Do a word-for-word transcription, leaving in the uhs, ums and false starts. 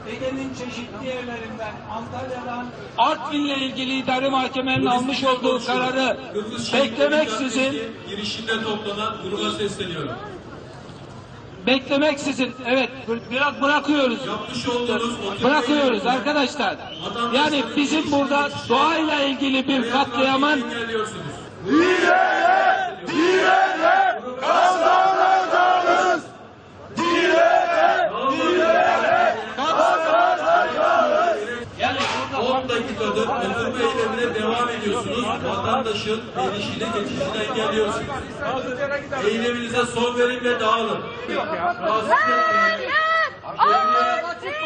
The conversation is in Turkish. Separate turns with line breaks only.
Ege'nin çeşitli yerlerinden, Antalya'dan, Artvin'le ilgili idare mahkemenin almış olduğu kararı beklemeksizin
girişinde toplanan gruba sesleniyorum.
Beklemeksizin, evet, biraz bırakıyoruz. Bırakıyoruz arkadaşlar. Yani bizim burada doğayla ilgili bir katliamın
Direne, direne, kazanacağız. Direne, direne, kazanacağız.
yani
on dakikadır oturma eylemine devam ediyorsunuz. Vatandaşın gelişine geçişini engelliyorsunuz. Eyleminize son verin ve dağılın. Rahatsız etmeyin.